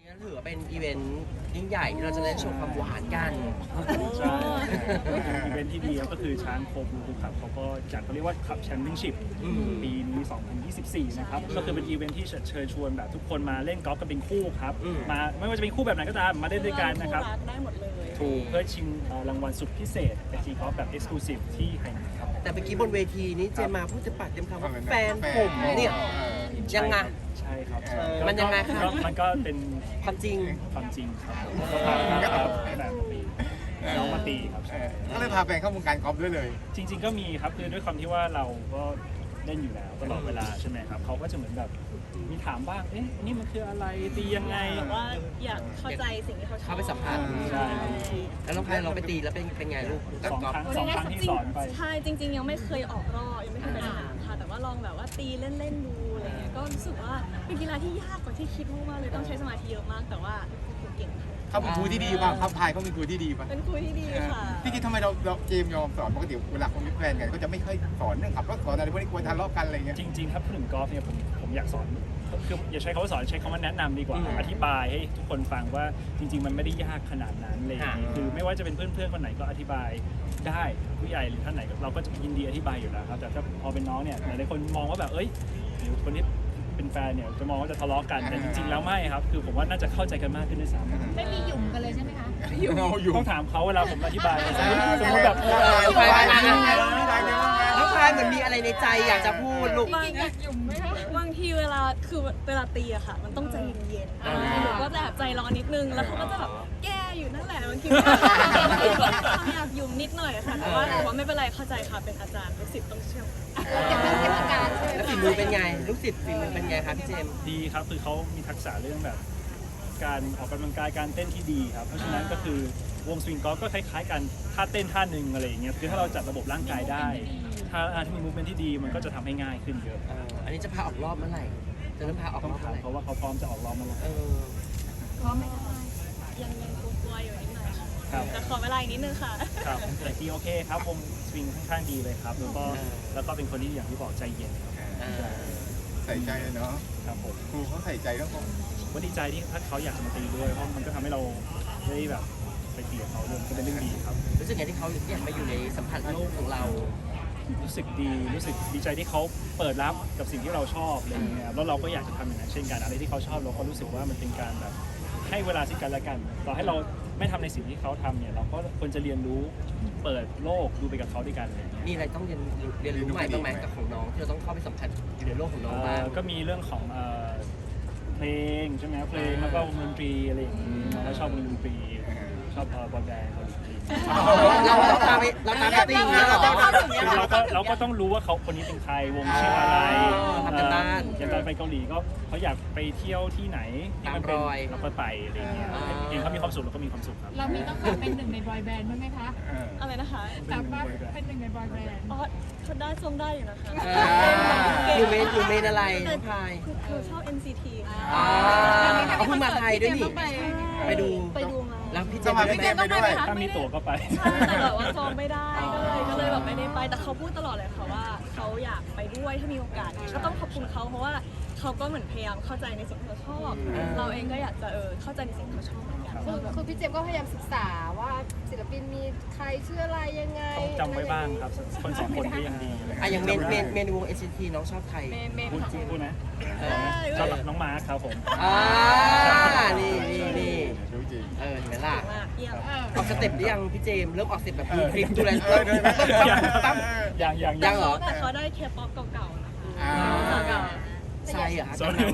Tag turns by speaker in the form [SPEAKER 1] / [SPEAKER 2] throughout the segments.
[SPEAKER 1] นี่ถือว่าเป็นอีเวนต์ยิ่งใหญ่ที่เราจะได้โชว์ความหวานกัน
[SPEAKER 2] ใช่อีเวนท์ที่ดีก็คือช้างโคบูครับเขาก็จัดเขาเรียกว่าขับแชมเปี้ยนชิพปีนี้ 2024 นะครับก็คือเป็นอีเวนท์ที่เชิญชวนแบบทุกคนมาเล่นกอล์ฟกันเป็นคู่ครับมาไม่ว่าจะเป็นคู่แบบไหนก็ตามมาเล่นด้วยกันนะครับ
[SPEAKER 3] ได้หมดเลย
[SPEAKER 2] ถูกเพื่อชิงรางวัลสุดพิเศษเป็นทีกอล์ฟแบบเอ็กซ์คลูซีฟที่ไฮนัทครับ
[SPEAKER 1] แต่เมื่อกี้บนเวทีนี้เจมมาพูดจะปากเต็มคำว่าแฟนผมเนี่ยยังไง
[SPEAKER 2] ใช่ครับ
[SPEAKER 1] มันยังไงครับ
[SPEAKER 2] มันก็เป็น
[SPEAKER 1] ความจริง
[SPEAKER 2] ความจริงครับก็พาแบบตีน้องมาตีครับ
[SPEAKER 4] ก็เลยพาแฟนเข้าวงการกอล์ฟด้วยเลย
[SPEAKER 2] จริงๆก็มีครับคือด้วยความที่ว่าเราก็เล่นอยู่แล้วตลอดเวลาใช่ไหมครับเขาก็จะเหมือนแบบมีถามบ้างเอ๊ะนี่มันคืออะไรตียังไง
[SPEAKER 3] แบบว่าอยากเข้าใจสิ่งที่เขาชอบ
[SPEAKER 1] เข้าไปสัมผัส
[SPEAKER 2] ใช่
[SPEAKER 1] แล้วน้องพายเราไปตีแล้วเป็นไงลูก
[SPEAKER 2] สองครั้งที่สอนไป
[SPEAKER 3] ใช่จริงๆยังไม่เคยออกรอบยังไม่เคยไปสนามค่ะแต่ว่าลองแบบว่าตีเล่นๆดูอะไรเงี้ยก็รู้สึกว่าเป็นกีฬาที่ยากกว่าที่คิดมากๆเลยต้องใช้สมาธิเยอะมากแต่ว่าฝึกเก่งค่ะ
[SPEAKER 4] เขาเป็นครูที่ดีป่ะครับพายเขาเป็นครูที่ดีป่ะ
[SPEAKER 3] เป็นครูที่ดีค่ะ
[SPEAKER 4] พี่คิดทำไมเราเจมยอมสอนปกติเวลาคนมีแฟนกันก็จะไม่ค่อยสอนเรื่องขับรถสอนอะไรพวกนี้กลัวทะเลาะกันอะไรเงี้ย
[SPEAKER 2] จริงๆครับพูดถึงกอล์ฟเนี่ยผมอยากสอนคืออย่าใช้คำว่าสอนใช้คำว่าแนะนำดีกว่าอธิบายให้ทุกคนฟังว่าจริงๆมันไม่ได้ยากขนาดนั้นเลยคือไม่ว่าจะเป็นเพื่อนๆคนไหนก็อธิบายได้ผู้ใหญ่หรือท่านไหนเราก็จะยินดีอธิบายอยู่แล้วครับแต่ถ้าพอเป็นน้องเนี่ยหลายๆคนมองว่าแบบเอ้ยหรือคนที่เป็นแฟนเนี่ยจะมองว่าจะทะเลาะกันแต่จริงๆแล้วไม่ครับคือผมว่าน่าจะเข้าใจกันมากขึ้นด้วยซ้ำ
[SPEAKER 5] ไม่มีหยุ่มกันเลยใช่ไหมคะ
[SPEAKER 2] ต้องถามเขาเวลาผมอธิบายสมมติแบบ
[SPEAKER 1] น้องพายเหมือนมีอะไรในใจอยากจะพูดลูก
[SPEAKER 5] จริงๆอยากหยุ่มไหมคะ
[SPEAKER 3] บางทีเวลาตีอะค่ะ มันต้องใจเย็นๆหนูก็จะแบบใจร้อนนิดนึงแล้วเขาก็จะแบบแก้อยู่นั่นแหละบางทีเขาอยากยุ่มนิดหน่อยค่ะแต่ว่าไม่เป็นไรเข้าใจค่ะเป็นอาจารย์ลูกศิษย์ต้องเชื่อ
[SPEAKER 5] อย่างเรื่องเทศกาลใช่ไหม
[SPEAKER 1] แล้วฝีมือเป็นไง ลูกศิษย์ฝีมือเป็นไงครับพี่เจมส์
[SPEAKER 2] ดีครับคือเขามีทักษะเรื่องแบบการออกกำลังกายการเต้นที่ดีครับเพราะฉะนั้นก็คือวงสวิงกอล์ฟก็คล้ายๆกันท่าเต้นท่าหนึ่งอะไรอย่างเงี้ยคือถ้าเราจัดระบบร่างกายได้ถ้ามีมูฟเมนท์ที่ดีมันก็จะทำให้ง่ายขึ้นเยอะ
[SPEAKER 1] อันนี้จะพาออกรอบเมื่อไหร่จะเริ่มพาออก
[SPEAKER 2] ต้อ
[SPEAKER 1] รง อบ
[SPEAKER 2] ถา
[SPEAKER 1] เมื่อไหร่
[SPEAKER 2] มเขาว่าเขาพร้อมจะออกรอบเมื่อไหร่
[SPEAKER 3] พร้อมไหมคะยังกลัวๆอยู่นิดหน่อยค่ะ
[SPEAKER 2] ครับ
[SPEAKER 3] แต่ขอเวลาอีกนิดนึงค่ะ
[SPEAKER 2] ครับแต่ทีโอเคครับวงสวิงค่อนข้างดีเลยครับแล้วก็เป็นคนที่อย่างที่บอกใจเย็นครับ
[SPEAKER 4] ใส่ใจเนาะ
[SPEAKER 2] ครับผม
[SPEAKER 4] ครูเขาใส่ใจแล้วก็
[SPEAKER 2] ก็ดีใจที่ถ้าเขาอยากจะมาตีด้วยเพราะมันก็ทำให้เราได้แบบไปตีกับเขาด้วยก็เป็นเรื่องดีครับ
[SPEAKER 1] รู้สึกไงที่เขาอยากมาอยู่ในสัมผัสโลกของเรา
[SPEAKER 2] รู้สึกดีรู้สึกดีใจที่เขาเปิดรับกับสิ่งที่เราชอบอะไรอย่างเงี้ยแล้วเราก็อยากจะทำอย่างนั้นเช่นกันอะไรที่เขาชอบเราก็รู้สึกว่ามันเป็นการแบบให้เวลาซึ่งกันและกันต่อให้เราไม่ทำในสิ่งที่เขาทำเนี่ยเราก็ควรจะเรียนรู้เปิดโลกดูไปกับเขาด้วยกันเลย
[SPEAKER 1] มีอะไรต้องเรียนรู้ใหม่บ้างไหมกับของน้องที่เราต้องเข้าไปสัมผัสอยู่ในโลกของน้องบ้าง
[SPEAKER 2] ก็มีเรื่องของเพลงใช่ไหมเพลงแล้วก็วงดนตรีอะไรอย่างงี้เราชอบวงดนตรีชอบบอยแบนด์เกาหลี
[SPEAKER 1] เราตามไปตีอย่างเงี้ยเหรอ
[SPEAKER 2] คือเราก็ต้องรู้ว่าเขาคนนี้เป็นใครวงชื่ออะไร
[SPEAKER 1] ทำกันบ้าน
[SPEAKER 2] อย่างตอนไปเกาหลีก็เขาอยากไปเที่ยวที่ไหนที่มันเป็นเราก็ไปอะไรอย่างเงี้ยเองเขามีความสุขเราก็มีความสุขครับ
[SPEAKER 5] เรามีต้องการเป็นหนึ่งในบอยแบนด์บ้างไหมคะ
[SPEAKER 3] อะไรนะคะ
[SPEAKER 5] สามารถเป็นหนึ่งในบอยแบนด์
[SPEAKER 3] อ๋อเขาได้ชมได้อยู่นะคะ
[SPEAKER 1] อยู่เมนอะไรน้องพาย
[SPEAKER 3] คือชอบ NCT ค่ะ
[SPEAKER 1] เขาเพิ่งมาไทยด้วยนี่ไปดู
[SPEAKER 3] ไปดูมา
[SPEAKER 1] แล้วพี่เจ
[SPEAKER 4] ส
[SPEAKER 1] ม
[SPEAKER 4] มัค
[SPEAKER 1] ส์
[SPEAKER 4] ร
[SPEAKER 1] ไป
[SPEAKER 4] พี่
[SPEAKER 1] ด้
[SPEAKER 4] เจ
[SPEAKER 1] ไหม
[SPEAKER 4] มไปด้วย
[SPEAKER 2] ถ้ามีตั๋วก็ไป
[SPEAKER 3] ใช่แต่แบบว่าจองไม่ได้ก็เลยแบบไม่ได้ไปแต่เขาพูดตลอดเลยค่ะว่าเขาอยากไปด้วยถ้ามีโอกาสก็ต้องขอบคุณเขาเพราะว่าเขาก็เหมือนพยายามเข้าใจในสิ่งที่เขาชอบเราเองก็อยากจะเข้าใจในสิ่งที่เขาชอบเหมือนกัน
[SPEAKER 6] คือพี่เจมส์ก็พยายามศึกษาว่าศิลปินมีใครชื่ออะไรยังไง
[SPEAKER 2] ต้องจำไว้บ้างครับคนสองคนก็ยังดี
[SPEAKER 1] อย่างเมนวง NCT น้องชอบใคร
[SPEAKER 2] พูดนะชอบน้องมาร์คครับผม
[SPEAKER 1] นี่
[SPEAKER 4] รู้จริง
[SPEAKER 1] เห็นไหมล่ะ
[SPEAKER 3] มากเยี่ยม
[SPEAKER 1] ออกสเต็ปหรือยังพี่เจมส์เริ่มออกสเต็ปแบบดูคลิปดูแลตั้ม
[SPEAKER 2] ยัง
[SPEAKER 1] เหรอ
[SPEAKER 3] แต่เขาได้เคป๊อปเก่าๆนะคะเก่า
[SPEAKER 1] ใช่เหรอ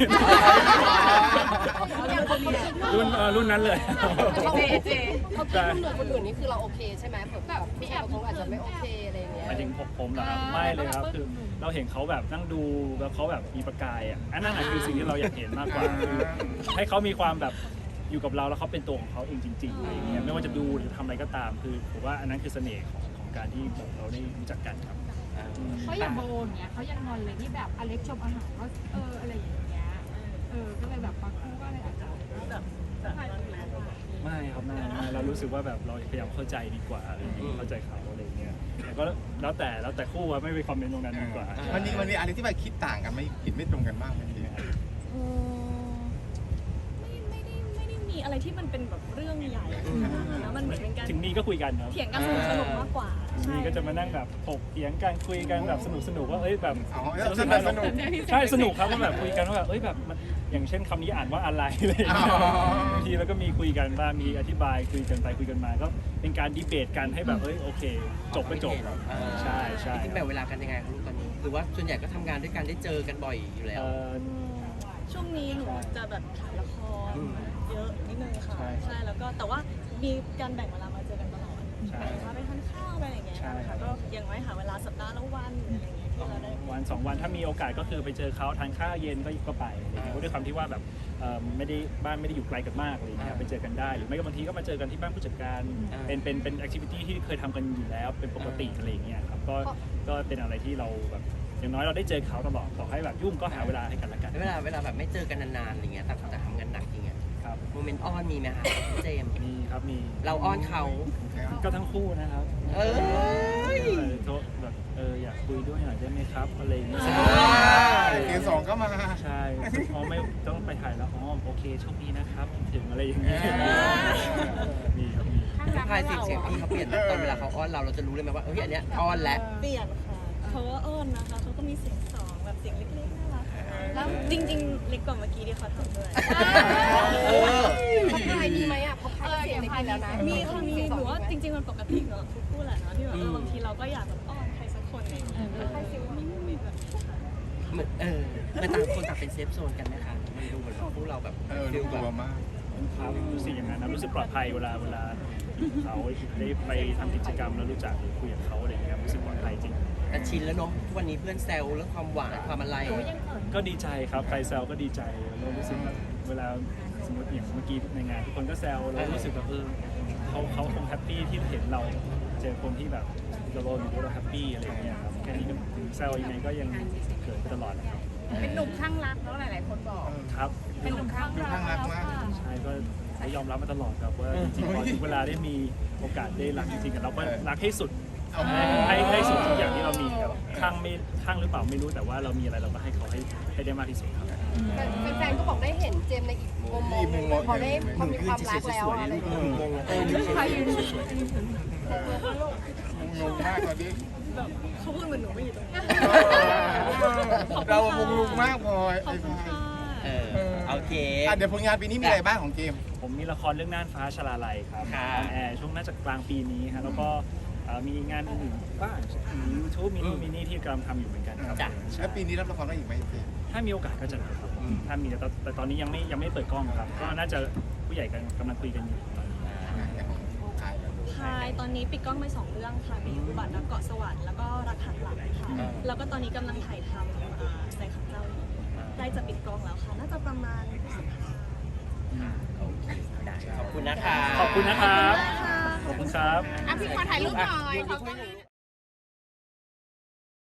[SPEAKER 2] รุ่นนั้นเลย
[SPEAKER 6] เจเขาคิดเหนือคนอื่นนี่คือเราโอเคใช่ไหมแบบพี่แอบเขาอาจจะไม่โอเคอะไรเงี้ย
[SPEAKER 2] หมายถึงผมเหรอครับไม่เลยครับคือเราเห็นเขาแบบนั่งดูแล้วเขาแบบมีประกายอ่ะอันนั้นคือสิ่งที่เราอยากเห็นมากกว่าคือให้เขามีความแบบอยู่กับเราแล้วเขาเป็นตัวของเขาเองจริงๆอะไรเงี้ยไม่ว่าจะดูหรือทำอะไรก็ตามคือผมว่าอันนั้นคือเสน่ห์ของการที่เราได้รู้จักกันครับ
[SPEAKER 5] เขาอย่างโบอย่างเงี้ยเขายังงอนเลยที่แบบอเล็กชมอาหารว่าอะไรอย่างเงี้ยก็เลยแบบบางคู่ก็เลยอาจจะแบบ
[SPEAKER 2] ไม่ครับไม่เรารู้สึกว่าแบบเราพยายามเข้าใจดีกว่าอะไรอย่างเงี้ยเข้าใจเขาอะไรเงี้ยแต่ก็แล้วแต่คู่ว่าไม่ไปคอมเมนต์ตรงนั้นดีกว่า
[SPEAKER 4] มันมีอะไรที่แบบคิดต่างกันไม่คิดไม่ตรงกันบ้างไหมพี่
[SPEAKER 3] ไม่ได้อะไรที่มันเป็นแบบเรื่องใหญ่แล้วมันเหมือนเป็นการ
[SPEAKER 2] ถึงมีก็คุยกันครับ
[SPEAKER 3] เถียงกันสนุกมากกว่า
[SPEAKER 2] มีก็จะมานั่งแบบถกเถียงกันคุยกันแบบสนุกว่าเอ้ยแบบ
[SPEAKER 4] อ๋อ
[SPEAKER 2] สนุก
[SPEAKER 4] สนุก
[SPEAKER 2] ใช่สนุกครับว่าแบบคุยกันว่าแบบเอ้ยแบบมันอย่างเช่นคำนี้อ่านว่าอะไรอะไรอย่างเงี้ย
[SPEAKER 4] อ๋อ
[SPEAKER 2] บางทีแล้วก็มีคุยกันบ้างมีอธิบายคุยกันไปคุยกันมาก็เป็นการดีเบตกันให้แบบเอ้ยโอเค จบก็จบใช่ใช่
[SPEAKER 1] จริงๆแบ่งเวลากันยังไงครับลูกตอนนี้หรือว่าส่วนใหญ่ก็ทำงานด้วยกันได้เจอกันบ่อยอยู่แล้ว
[SPEAKER 3] ช่วงนี้หนูจะแบบถ่ายละครเยอะนิดนึงค่ะ
[SPEAKER 2] ใช่
[SPEAKER 3] ใช่แล้วก็แต่ว่ามีการแบ่งเวลามาเจอกันตลอด
[SPEAKER 2] ใช่
[SPEAKER 3] แบ่งเวลาไปทานข้าวไปอะไรอย่างเงี้ย
[SPEAKER 2] ใช่
[SPEAKER 3] ค่ะก็ยังไม่หาเวลาสัปดาห์ละวันหรืออะไรอย่างเงี้ยที่เราได้
[SPEAKER 2] วัน2 วันถ้ามีโอกาสก็คือไปเจอเขาทานข้าวเย็นก็ไปอะไรเงี้ยเพราะด้วยความที่ว่าแบบไม่ได้บ้านไม่ได้อยู่ไกลกันมากอะไรเงี้ยไปเจอกันได้หรือไม่ก็บางทีก็มาเจอกันที่บ้านผู้จัดการเป็นแอคทิวิตี้ที่เคยทำกันอยู่แล้วเป็นปกติอะไรเงี้ยครับก็เป็นอะไรที่เราแบบอย่างน้อยเราได้เจอเขาตลอดต่อให้แบบยุ่งก็หาเวลาให้กันละกัน
[SPEAKER 1] เวลาแบบไม่เจอกันนานๆอะไรเงี้ยต่างคนต่างทำงานหนักอย่างเงี้ย
[SPEAKER 2] ครับ
[SPEAKER 1] โมเมนต์อ้อนมีไหมคะพี่เจมส์
[SPEAKER 2] มีครับมี
[SPEAKER 1] เราอ้อนเขา
[SPEAKER 2] ก็ทั้งคู่นะครับ
[SPEAKER 1] เอ้ย
[SPEAKER 2] โทรแบบอยากคุยด้วยหน่อยได้ไหมครับอะไรอย่างเงี้ย
[SPEAKER 4] เกมสองก็มา
[SPEAKER 2] ใช่อ๋อไม่ต้องไปถ่ายแล้วอ๋อโอเคโชคดีนะครับถึงอะไรอย่างเงี้ยมีครับมี
[SPEAKER 1] ทักทายเสียงพี่เขาเปลี่ยนไหมตอนเวลาเขาอ้อนเราจะรู้เลยไหมว่าเฮ้ยอันเนี้ยอ้อนแล้ว
[SPEAKER 3] เปลี่ยนค่ะเขาก็อ้อนนะคะเขาก็มีเสียงสองแบบเสียงเล็กๆน่ารักแล้วจริงๆเล็กกว่าเมื่อกี้ที่เขาทำด้วย
[SPEAKER 6] ทักทายมีไหมอ่ะเพราะเสียงในกินแล้วนะ
[SPEAKER 3] มีค่ะมีหนูว่าจริงๆมันปกติเนอะทุกคู่แหละเนาะที่แบบบางทีเราก็อยากแบบอ้อนใครสักคนอะไรอย่างเงี้ยใครฟิลมีโมเมนต์แบบ
[SPEAKER 1] เหมือนมันต่างคนต่างเป็นเซฟโซนกันไหมคะมันดูเหมือนพวกเราแบบ
[SPEAKER 4] ดู
[SPEAKER 1] ฟิล
[SPEAKER 4] ก
[SPEAKER 1] แบ
[SPEAKER 4] ลัว
[SPEAKER 1] บ
[SPEAKER 4] มาก
[SPEAKER 2] ครับรู้สึกอย่างนั้นนะรู้สึกปลอดภัยเวลาเขาได้ไปทำกิจกรรมแล้วรู้จักหรือคุยกับเขาอะไรอย่างเงี้ยรู้สึกปลอดภัยจริง
[SPEAKER 1] แต่ชินแล้วเนาะทุกวันนี้เพื่อนแซวเรื่องความหวานความอะไร
[SPEAKER 2] ก็ดีใจครับใครแซวก็ดีใจแล้วรู้สึกแบบเวลาสมมติอย่างเมื่อกี้ในงานทุกคนก็แซวแล้วรู้สึกแบบเขาคงแฮปปี้ที่เห็นเราเจอคนที่แบบเราอยู่ด้วยเราแฮปปี้อะไรอย่างเงี้ยครับแค่นี้ก็ถึงแซวยังไงก็ยังเกิดไปตลอดนะครับ
[SPEAKER 5] เป็นหนุ่มข้างรักแล้วหลายๆคนบอก
[SPEAKER 2] ครับ
[SPEAKER 5] เป็นหนุ่มข้าง
[SPEAKER 4] ดู
[SPEAKER 5] รัก
[SPEAKER 4] ข้างรัก
[SPEAKER 5] แล้ว
[SPEAKER 4] มาก
[SPEAKER 5] ค่ะ
[SPEAKER 2] ใช่ก็ยอมรับมาตลอดครับว่าจริงๆพอถึงเวลาได้มีโอกาสได้รักจริงๆเราก็รักให้สุดให้สุดทุกอย่างที่เรามีครับข้างหรือเปล่าไม่รู้แต่ว่าเรามีอะไรเราก็ให้เขาให้ได้มากที่สุดครับ
[SPEAKER 6] แฟนๆก็บอกได้เห็นเจมส์ในอีกมุมมองหนึ่งพอได้พอมีความรักแล้วอะไรอย่างเงี้ย
[SPEAKER 5] ใครยืน
[SPEAKER 4] งงมากตอนนี้
[SPEAKER 3] แบบเขาพูดเหมือนหนูไม่อยู่ตรงนี้
[SPEAKER 4] เรางงมากพลอย
[SPEAKER 3] ขอบคุณค่ะ
[SPEAKER 1] โอเค
[SPEAKER 4] เดี๋ยวผลงานปีนี้มีอะไรบ้างของเกม
[SPEAKER 2] ผมมีละครเรื่องน่านฟ้าชลาลัยครับ
[SPEAKER 1] ครับ
[SPEAKER 2] แอร์ช่วงน่าจะกลางปีนี้ฮะแล้วก็มีงานอื่นๆบ้างมี YouTube มีนู่นมีนี่ที่กำลังทำอยู่เหมือนกันครับ
[SPEAKER 1] จ้ะ
[SPEAKER 2] ใช่
[SPEAKER 4] แล้วปีนี้รับละครได้อีกไหมเจม
[SPEAKER 2] ถ้ามีโอกาสก็จะรับครับถ้ามีแต่ตอนนี้ยังไม่เปิดกล้องครับก็น่าจะผู้ใหญ่กำลังคุยกันอยู่ตอนนี้
[SPEAKER 3] พายตอนนี้ปิดกล้องไป2 เรื่องค่ะ มีอุบัติรักเกาะสวรรค์แล้วก็รักหักหลังค่ะ แล้วก็ตอนนี้กำลังถ่ายทำแสงขับเจ้าอยู่ใกล้จะปิดกล้องแล้วค่ะ น่าจะประมาณพฤษภา
[SPEAKER 1] ได้ขอบคุณนะคะ
[SPEAKER 2] ขอบคุณนะครับ
[SPEAKER 3] ค่ะ
[SPEAKER 2] ขอบคุณครับ
[SPEAKER 5] อ่ะพี่ขอถ่ายรูปหน่อย